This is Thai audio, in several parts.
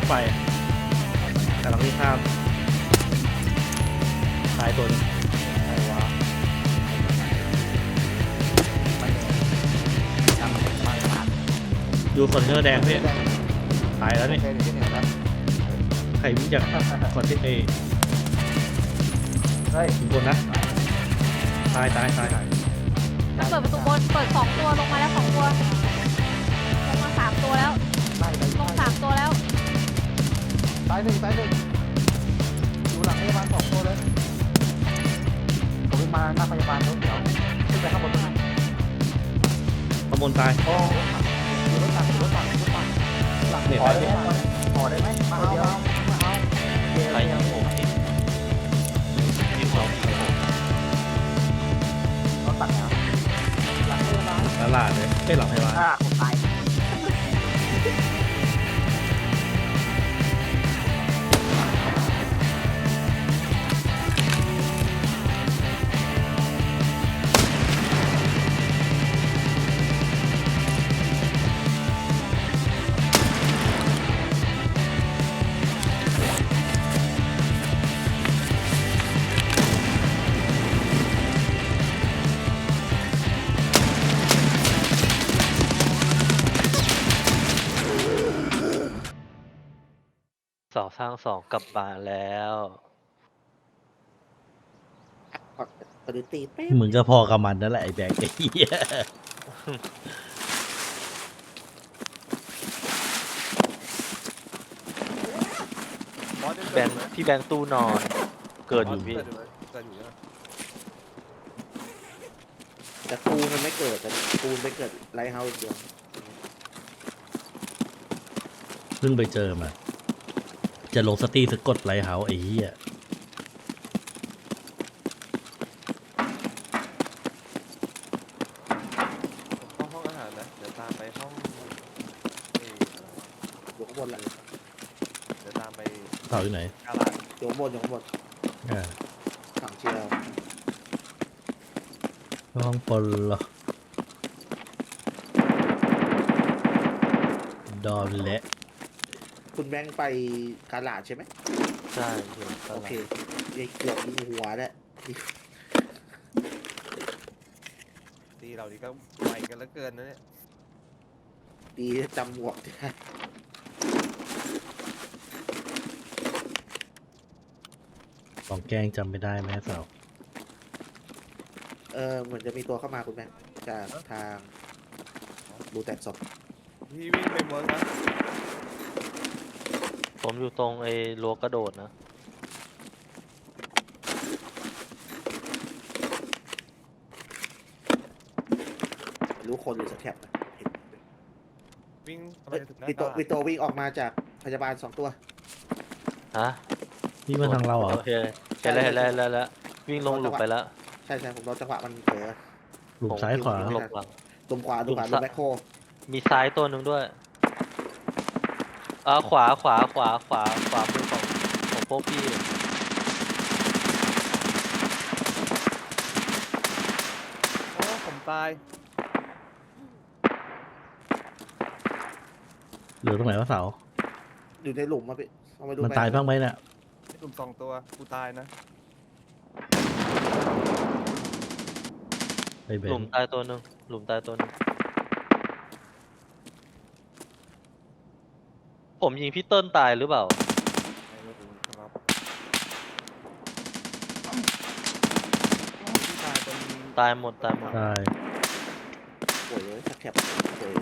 ไฟกำลังวิ่งข้ามตายตัวนึงอะไรวะมันทำอะไรบ้างครับดูคอนเทนเนอร์แดงพี่ตายแล้วนี่โอเคเดี๋ยวเห็นแล้วใครวิ่งจากคอนเทนเนอร์เฮ้ยบนนะตายมันเปิดประตูบนเปิด2 ตัวลงมาแล้ว2 ตัวลงมา3 ตัวแล้วไล่เลยลง3 ตัวแล้วตายหนึ่งอยู่หลังพยาบาล2 ตัวเลยผมมาหน้าพยาบาลแล้วเดี๋ยวขึ้นไปข้างบนนะข้างบนตายโอ้รถตักหลังเนี่ยขอได้ไหมขอได้ไหมมาเอาเดี๋ยวใครยังผมที่เขารถตักนะหลังพยาบาลตลาดเลยไม่หลับพยาบาลผมตายสร้างสองกลับมาแล้วปฏิตีเป๊ะมึงก็พอกับมันนั่นแหละไอ้แบกไอ้เหี้ยแบงค์พี่แบงค์ตู้นอนเกิดอยู่พี่แต่ปูนมันไม่เกิดแต่ปูนไปเกิดไลท์เฮาส์เดียวเพิ่งไปเจอมาจะลงสตรีสะกดไลท์เฮาส์ไอ้เหี้ยเข้าห้องอาหารนะเดี๋ยวตามไปห้องอยู่ข้างบนแหละเดี๋ยวตามไปเสาอยู่ไหนกาลาดอยู่ข้างบนอ่าฝั่งเชียร์ห้องปนเหรอดอนและคุณแบงค์ไปกาลาดใช่ไหมใช่พี่โอเคเกือบมีหัวแล้วตีเรานี่ก็ไวกันเหลือเกินนะเนี่ยดีจำหมวกได้ของแกล้งจำไม่ได้ไหมเสาเหมือนจะมีตัวเข้ามาคุณแบงค์จากทางบูแตกศพพี่วิ่งไปเวิร์กนะผมอยู่ตรงไอ้รั้วกระโดดนะรู้คนหรือสแคปนะเห็นวิ่งไปถึงหน้ามีตตัวลาดมีตัววิ่งออกมาจากพยาบาล2 ตัวฮะนี่มาทางเราเหรอโอเคเห็นแล้ววิ่งลงหลุมไปแล้วใช่ผมรอจังหวะมันเผลอหลุมซ้ายขวาหลบหลังลมขวาลมแบ็คโฮมีซ้ายตัวหนึ่งด้วยขวามือของพวกพี่โอ้ผมตายเหลือตรงไหนวะเสาอยู่ในหลุมมาพี่เอามาดูมันตายบ้างไหมเนี่ยกลุ่ม2 ตัวกูตายนะไอ้เบหลุมนตายตัวหนึ่งผมยิงพี่เติ้ลตายหรือเปล่าไม่รู้ครับพี่ตายตรงตายหมดตายป่วยเลยสแคปป่วย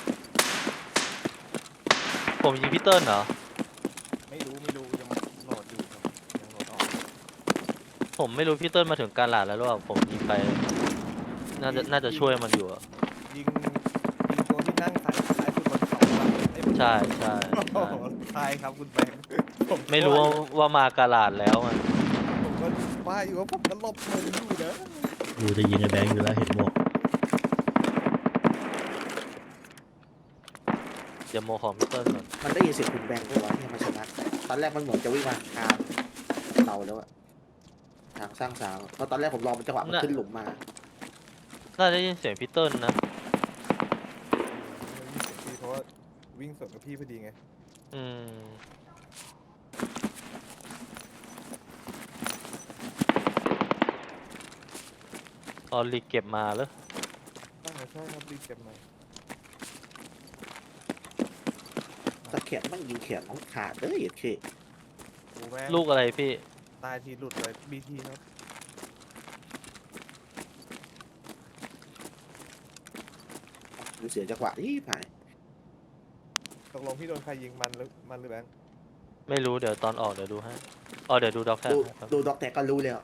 ผมยิงพี่เติ้ลเหรอไม่รู้ยังโหลดอยู่ครับยังโหลดออกผมไม่รู้พี่เติ้ลมาถึงการหลาดแล้วหรือเปล่าผมยิงไป น่าจะช่วยมันอยู่อะยิงตัวที่นั่งซ้ายสุดบนเขาไอ้ยใช่โอ้โหตายครับคุณแบงค์ผไม่รู้ว่ามาการหลาดแล้วอะผมก็ว่าอยู่ว่าผมก็หลบมุมอยู่นะกูจะยิงไอ้แบงค์อยู่แล้วเห็นหมวกเดี๋ยวโมของพี่เติ้ลก่อนมันได้ยินเสียงคุณแบงค์ด้วยวะที่มาชนะตอนแรกมันเหมือนจะวิ่งมาทางเราแล้วอะทางสร้างสาวเพราะตอนแรกผมรอมันจังหวะมันขึ้นหลุมมาน่าจะยินเสียงพี่เติ้ลนะเพราะว่าวิ่งสวนกับพี่พอดีไงอืมตอนรีเก็บมาแล้วใช่ครับรีบเก็บมาตะแขนมันยิงแขนน้องขาดเด้อเอ็ดเคโอ้แม่งลูกอะไรพี่ตายทีหลุดเลยบีทีครับดูเสียจังหวะที่ผ่านตกลงพี่โดนใครยิงมันหรือแบงค์ไม่รู้เดี๋ยวตอนออกเดี๋ยวดูให้เดี๋ยวดูด็อกแท็กดูให้ครับดูด็อกแท็กก็รู้แล้ว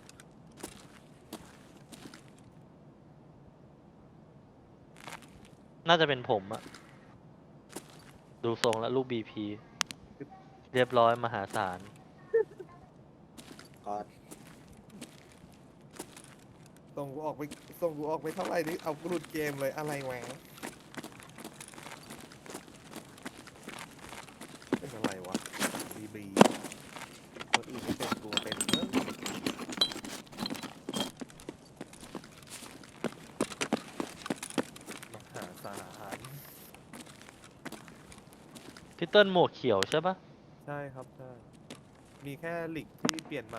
น่าจะเป็นผมอะดูทรงแล้วลูกบีพีเรียบร้อยมหาศาลก็ส่งกูออกไปเท่าไหร่นี่เอากูหลุดเกมเลยอะไรแหวงเป็นอะไรวะบีคนอื่นไม่เป็นตัวเป็นมหาศาลพี่เติ้ลหมวกเขียวใช่ปะใช่ครับใช่มีแค่หลีกที่เปลี่ยนใหม่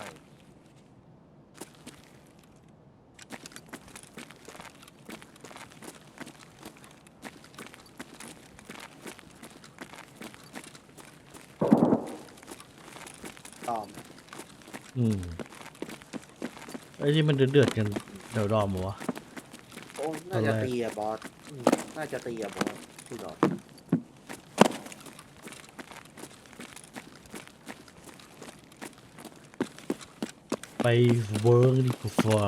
ตอมไอ้ที่มันเดือดๆกันเดี๋ยวดอมเหรอวะโอ้น่าจะตีอะบอสน่าจะตีอะบอสพี่ดอกไปเวิร์กดีกว่า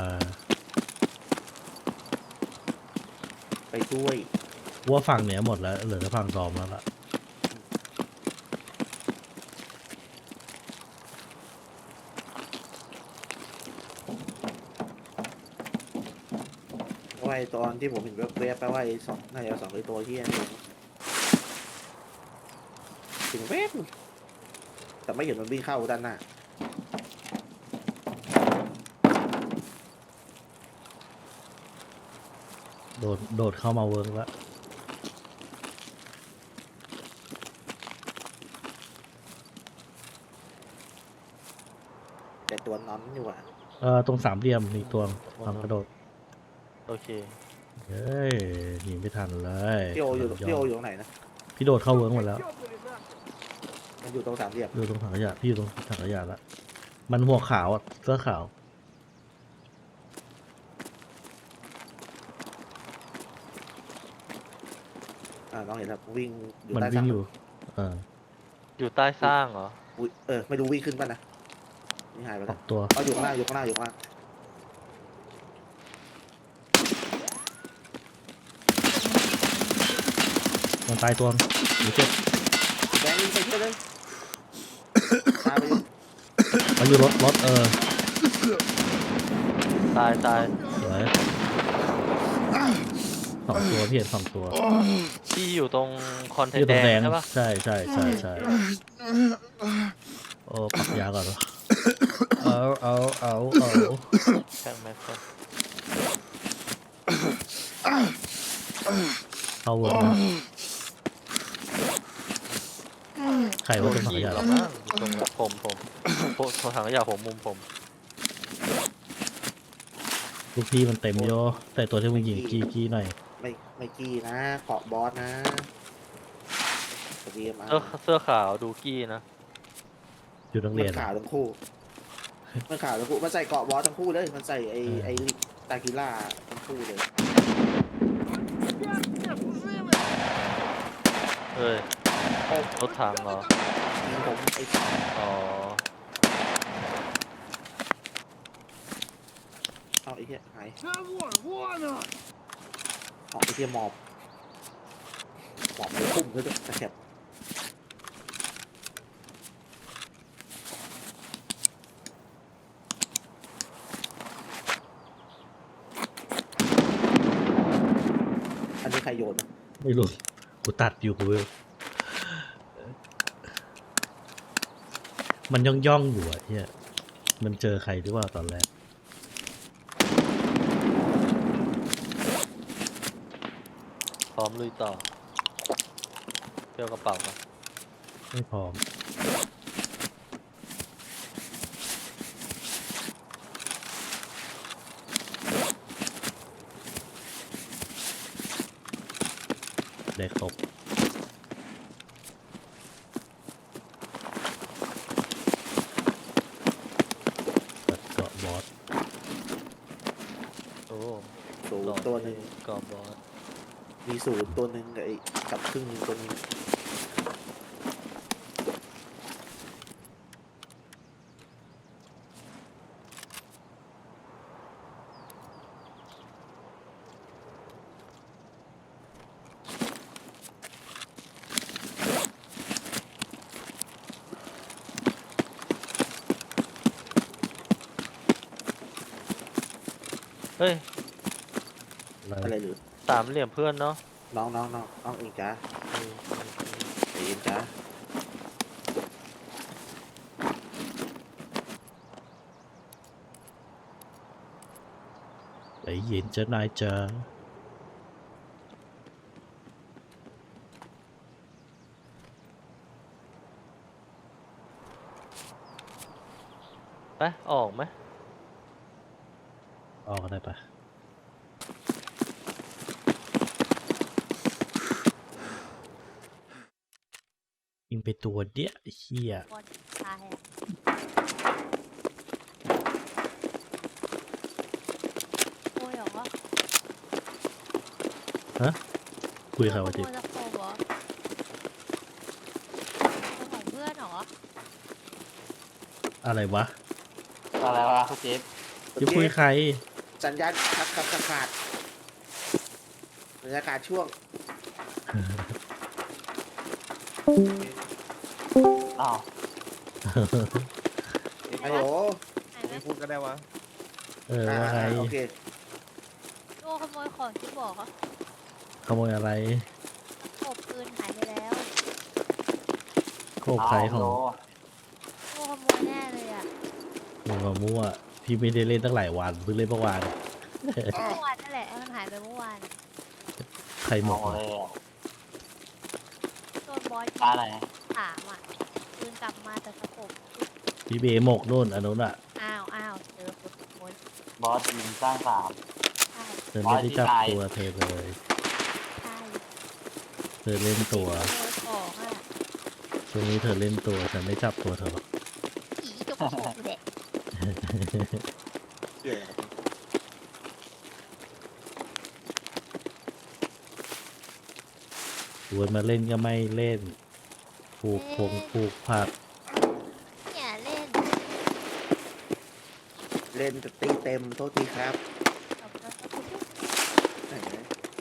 ไปช่วยว่าฝั่งเนี้ยหมดแล้วเหลือแต่ฝั่งดอมแล้วล่ะเพราะว่าไอ้ตอนที่ผมเห็นเว็บๆแปลว่าไอ้สองน่าจะสองไอ้ตัวที่นั่นเองถึงเว็บแต่ไม่เห็นมันวิ่งเข้าด้านหน้าโดดเข้ามาเวิร์กแล้วแต่ตัวนอนอยู่ว่ะตรงสามเหลี่ยมมีตัวทำกระโดดโอเคเฮ้ยหนีไม่ทันเลยพี่โออยู่ตรงไหนนะพี่โดดเข้าเวิร์กหมดแล้วมันอยู่ตรงสามเหลี่ยมอยู่ตรงถังขยะพี่อยู่ตรงถังขยะละมันหัวขาวอะเสื้อขาวน้องเห็นแล้ววิ่งอยู่มันใต้วิ่สาง มอยู่อยู่ใต้สร้างเหรออุ๊ยไม่รู้วิ่งขึ้นป่ะนะนี่หายไปอแล้อวกตัวอยู่ข้างหน้าอยู่ข้างหน้าอยู่ข้างหน้ามันตายตัวหรือเจ็บแบงค์วิ่งไปช่วยเลยตามไปอยู่มันอยู่รถตายสวยสองตัวพี่เห็นสองตัวที่อยู่ตรงคอนเทนอยู่ต์ตรแดงแดงงใช่ปะใช่โอ้ปักยาก่อนวะเอาแข่งแม็กซ์เข้าเวิร์กนะใครว่าเป็นถังขยิงยะหรอกมั้งตรงนั้นผมถังขยะผมมุมผมลูกพี่มันเต็มโยแต่ตัวที่มึงยิงกี้หน่อยไม่กี้นะเกาะบอสนะสวัสดีมาเสื้อขาวดูกี้นะอยู่นักมัเรียนนขาทั้งคู่มันขาทั้งคู่มันใส่เกาะบอสทั้งคู่เลยมันใส่ไอ้ตากิล่าทั้งคู่เลยเอ้ยรถถังเหรอยิงผมไอ้อ๋อเอาไอ้เหี้ยหายเอาไอ้เหี้ยหมอบเลยพุ่มเลยด้วยตะแคบอันนี้ใครโยนนะไม่รู้กูตัดอยู่กูมันย่องอยู่อะเฮียมันเจอใครหรือว่าตอนแรกพร้อมลุยต่อเที่ยวกระเป๋ามาไม่พร้อมได้ครบตัดเกาะบอสโอ้ศูนย์ตัวหนึ่งกอบบอสมีศูนย์ตัวหนึ่งกับไอ้กับครึ่งหนึ่งตัวหนึงเฮ้ยอะไรหรือสามเหลี่ยมเพื่อนเนาะน้องเองจ้าใจเย็นจ้าใจเย็นจะนายจะไปออกไหมออกได้ปะยิงไปตัวเดียวไอ้เฮียบอลตายอะโอ้ยเหรอคุยกับใครวะขจิโมยตะโขบเหรอของเพื่อนเหรออะไรวะอะไรวะคุณจิ๊บจะคุยใครสัญญาณครับขาดบรรยากาศช่วงอ้าวฮัลโหลไหนไหมไม่พูดก็ได้วะว่าไงโอเคโอ้ขโมยของที่บอกเหรอขโมยอะไรตะโขบปืนหายไปแล้วโคบใครของโลโอ้ขโมยแน่เลยอ่ะมึงมามั่ว พี่ไม่ได้เล่นตั้งหลายวันเพิ่งเล่นเมื่อวานเมื่อวานนั่นแหละมันหายไปเมื่อวานใครหมเอากเลยอะโดนบอสร้านอะไรถามอ่ะปืนกลับมาแต่ตะโขบพี่เบหมกนู่นอันนู้นอ่ะอ้าวเจอคนขโมยบอสยิงสร้างสามใช่เธอไม่ได้จับอ๋อที่ตายตัวเธอเลยใช่เธอเล่นตัวขโมยของอ่ะช่วงนี้เธอเล่นตัวฉันไม่จับตัวเธอหรอกผีกับตะโขบเด็กเกี่ยวชวนมาเล่นก็ไม่เล่นผูกพงผูกผักเนี่ยเล่นเล่นแต่ตีเต็มโทษทีครับกับตะโขบไหนนะ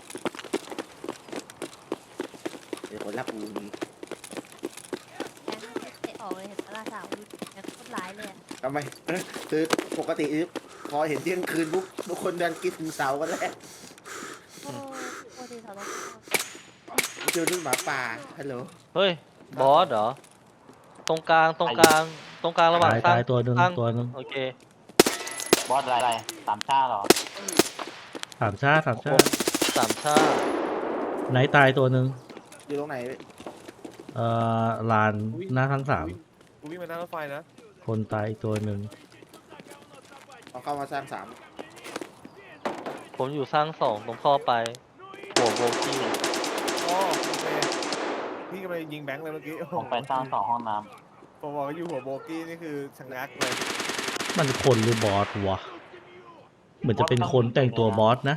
เดี๋ยวคนรับอูนี้แกไม่เตะออกเลยเห็นปะล่ะสาววิแกโคตรร้ายเลยอะทำไมคือปกติพอเห็นเที่ยงคืนปุ๊บทุกคนเดินกินถึงเสากันแล้วโอ้โคตรดีสาวต้องเจอรุ่นหมาป่าฮัลโหลเฮ้ย บอสเหรอ ตรงกลางระหว่างสร้างตายตัวหนึ่งสร้างตัวหนึ่งโอเคบอสอะไรสามชาติเหรอสามชาติสามชาติไหนตายตัวหนึ่งอยู่ตรงไหนลานหน้าทั้งสามกูวิ่งมาหน้ารถไฟนะคนตายอีกตัวหนึ่งเอาเข้ามาสร้างสามผมอยู่สร้างสองตรงเข้อไป หัวโบกี้อ๋อโอเคพี่กำลังยิงแบงค์เลยเมื่อกี้โอ้โหผมไปสร้างสองห้องน้ผมบอกว่าอยู่หัวโบกี้นี่คือชะงักเลยมันคนหรือบอสวะ เหมือนจะเป็นคนแต่งตัวบอสนะ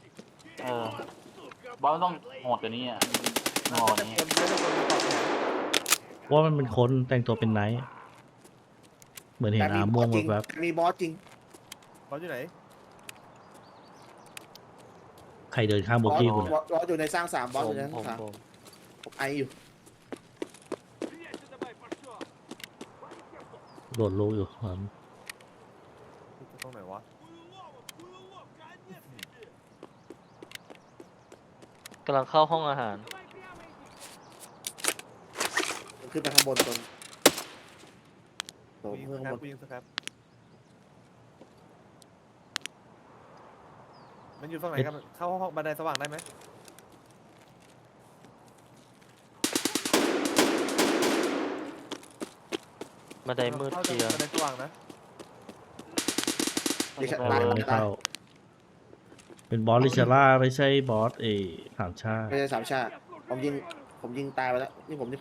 บอสต้องโหดกว่านี้อ่ะโหน่าดจะนี้คนไม่ใช่คนมีปอกแขนว่ามันเป็นคนแต่งตัวเป็นไนท์เหมือนเห็นอาม่วงจริงแบบมีบอสจริงบอสอยู่ไหนใครเดินข้ามโบกี้คุณอะบอสอยู่ในสร้างสามบอสผอมยู่ในสผร้างมสามผมผมไออยู่โดดลูกอยู่ครับตรงไหนวะกำลังเข้าห้องอาหารขึ้นไปข้างบนตรงโถกูยิงเพื่สอนคข้างรับบนกูยิงสครับมันอยู่ฝั่งไหนกันเข้าห้องบันไดสว่างได้ไหมบันไดมืดเข้าเคจะลียร์บันไดสว่างนะดิฉันไปตายเวิร์กไม่เข้า เป็นบอสลิชาร่าไม่ใช่บอสสามชาติไม่ใช่สามชาติผมยิงตายไปแล้วนี่ผม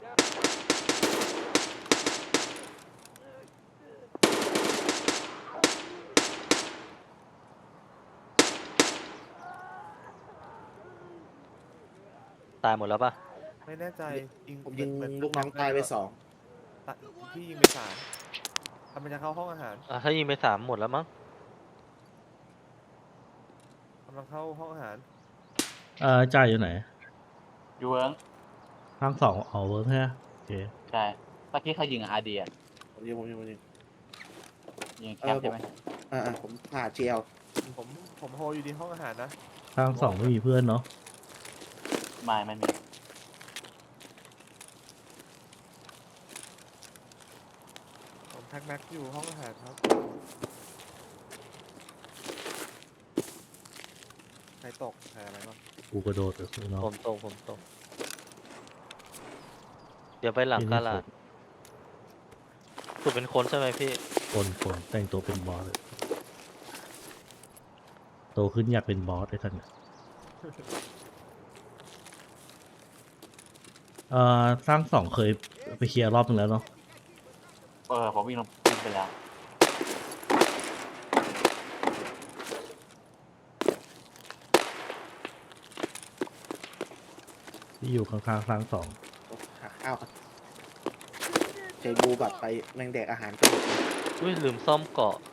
ตายหมดแล้วปะไม่แน่ใจยิงผมยิงเหมืลูกน้องตายไปสองพี่ยิงไป3มันจะเข้าห้องอาหารถ้ายิงไป3หมดแล้วมั้งกำลังเข้าห้องอาหารจ่ายอยู่ไหนอยู่เวิร์กทางสองอ๋อเวิร์กใช่ไหมโอเคใช่เมื่อกี้เขายิงอาร์ดีอ่ะผมยิงยิงแคปใช่ไหมผมผ่าเจียวผมโฮอยู่ที่ห้องอาหารนะทางสองไม่มีเพื่อนเนาะไม่มีผมแพ็กแม็กอยู่ห้องอาหารครับใครตกใครอะไรบ้างกูกระโดดกับเนาะผมตก เดี๋ยวไปหลังกาลาดถูกเป็นคนใช่ไหมพี่คนแต่งตัวเป็นบอสเลยโตขึ้นอยากเป็นบอสไอ้ท่านเนี่ยสร้างสองเคยไปเคลียร์รอบนึงแล้วเนาะผมวิ่งไปแล้วที่อยู่ข้างๆสร้างสองหาข้าวครับเจบูแบบไปแมงแดกอาหารไปหมดเลยอุ้ยลืมซ่อมเกาะ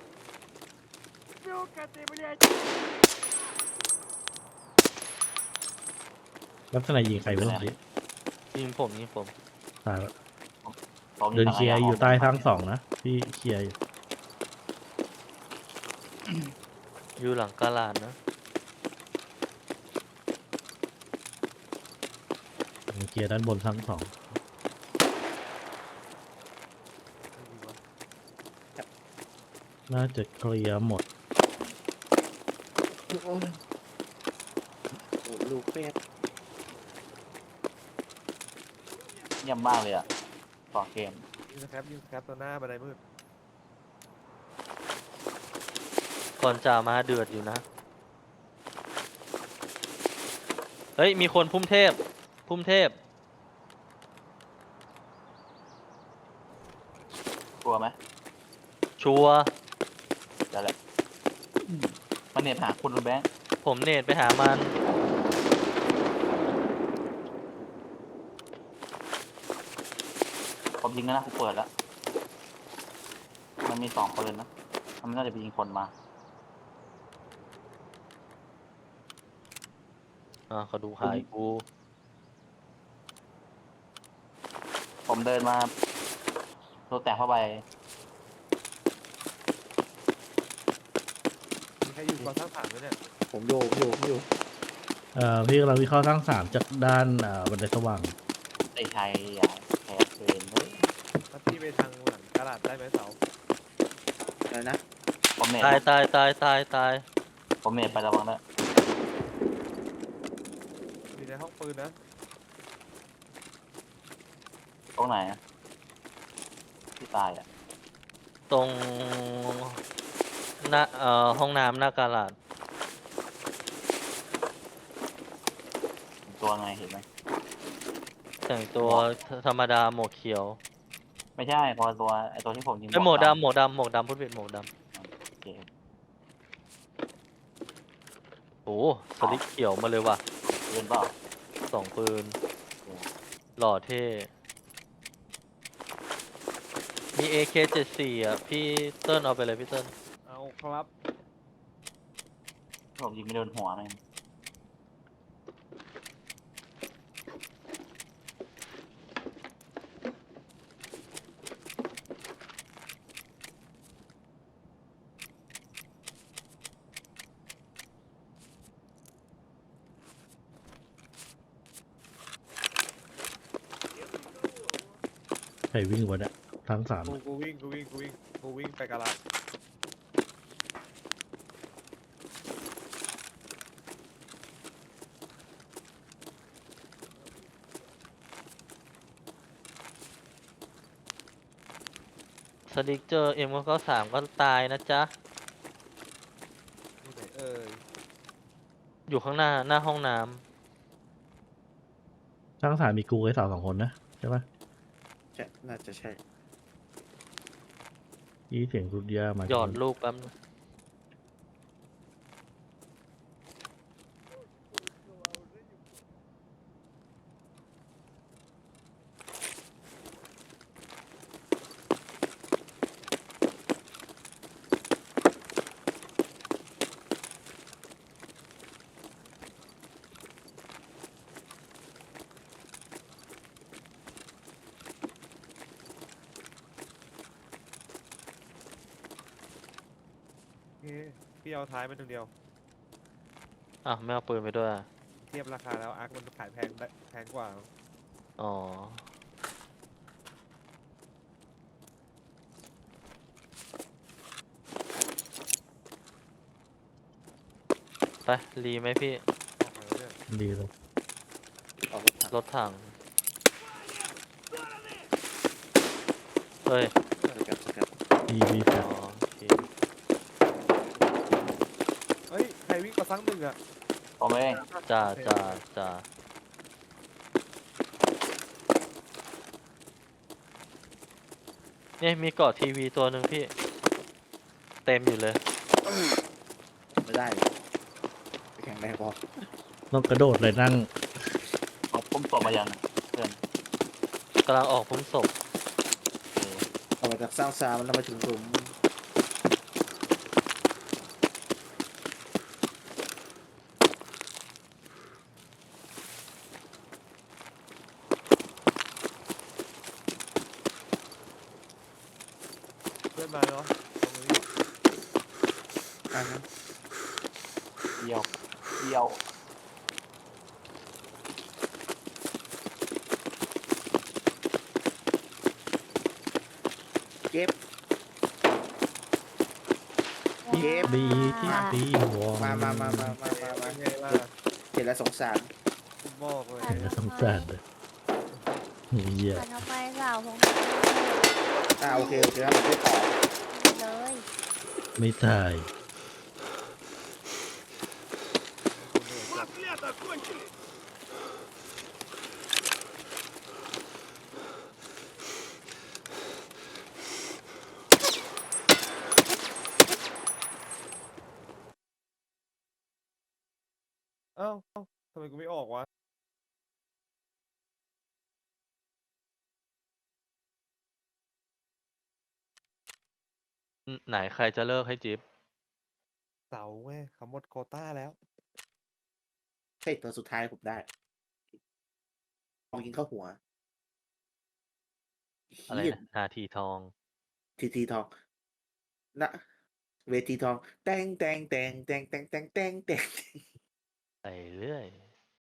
ลักษณะยิงใครไม่รู้สิยิงผมตายแล้วผมเดินเคลียร์อยู่ใต้ทางสองนะพี่เคลียร์อยู่อยู่หลังกาลาดนะเคลียร์ด้านบนทางสองไม่มีวะน่าจะเคลียร์หมดโอ้ลูกเป็ดเยี่ยมมากเลยอ่ะต่อเกมยิงสแคปตัวหน้าบันไดมืดก่อนจ่ามาเดือดอยู่นะ เฮ้ย มีคนพุ่มเทพกลัวไหมชัวร์เดี๋ยวแหละมันเนี่ยหาคุณแบงค์ผมเนตไปหามันผมยิงแล้วนะผมเปิดแล้ว มันมี2 ปืนนะ มันน่าจะไปยิงคนมาเขาดูหายกูผมเดินมาตัวแตกเข้าไปมีใครอยู่ก่อนสร้างฐานไหมเนี่ยผมอยู่พี่กำลังวิเคราะห์ทางสามจากด้านบันไดสว่างไอ้ชัยอย่าแพ้เกินเลยถ้าพี่ไปทางหลังกระดาษได้ไหมเสาอะไรนะผมเน็ตตายผมเน็ตไประวังด้วยอยู่ในห้องปืนนะตรงไหนอะที่ตายอ่ะตรงหน้าห้องน้ำหน้ากาลาดตัวไงเห็นไหมแต่งตัวธรรมดาหมวกเขียวไม่ใช่ตัวไอตัวที่ผมยิงไอยหมวกดำพูดผิดหมวกดโอเคำโอ้สลิกเขียวมาเลยว่ะปืนเปล่า 2 ปืน หล่อเท่ มี AK74 อ่ะ พี่เติ้ลเอาไปเลยพี่เติ้ลเอาครับผมยิงไม่โดนหัวเลยใครวิ่งวะเนี่ยทางสามกูวิ่งไปกระดาษดิกเจอM93ก็ตายนะจ๊ะที่ไหนเอ่ยอยู่ข้างหน้าห้องน้ช่างสารมีกูไอ้สาวสองคนนะใช่ปะใช่น่าจะใช่ยี่เสียงรุดยามาำหยอดลูกแป๊บนึงโอเคพี่เอาท้ายไปตรงเดียวอ่ะไม่เอาปืนไปด้วยอะเทียบราคาแล้วอาร์คมันขายแพงกว่าอ๋อ ไปรีไหมพี่ออกมาแล้วเนี่ยดีเลยออกรถถังรถถัง เฮ้ยสกัดสกัดดีดีแฟอ๋อดโอเคเฮ้ย ใครวิ่งมาซังหนึ่งอ่ะผมเองจ้าจ้าจ้าเนี่ยมีเกาะทีวีตัวหนึ่งพี่ เต็มอยู่เลยไม่ได้ไปแข่งแรงพอต้องกระโดดเลยนั่งเอาผมตบมายังเพื่อนกำลังออกพ้นศพออกมาจากสร้างซามันทำมาถึงหลุมเพื่อนมาเนาะตรงนี้อ่าฮะเดียวเดียวเก็บ เก็บบีที่บีวอมาเป็นไงล่ะเห็นแล้วสงสารคุณบอกเลยเห็นแล้วสงสารเลยเหี้ยหันทำไมสาวผมโอเคโอเคครับผมไม่ต่อเลยไม่ตายเอ้าทำไมกูไม่ออกวะไหนใครจะเลิกให้จิ๊บเสาไงเขาหมดโควต้าแล้วเฮ้ยตัวสุดท้ายผมได้ลองยิงเข้าหัวอะไรเหี้ยนะนาทีทองทีทองนะเวทีทองแตงแตงแตงแตงแตงแตงแตงแตงไปเรื่อย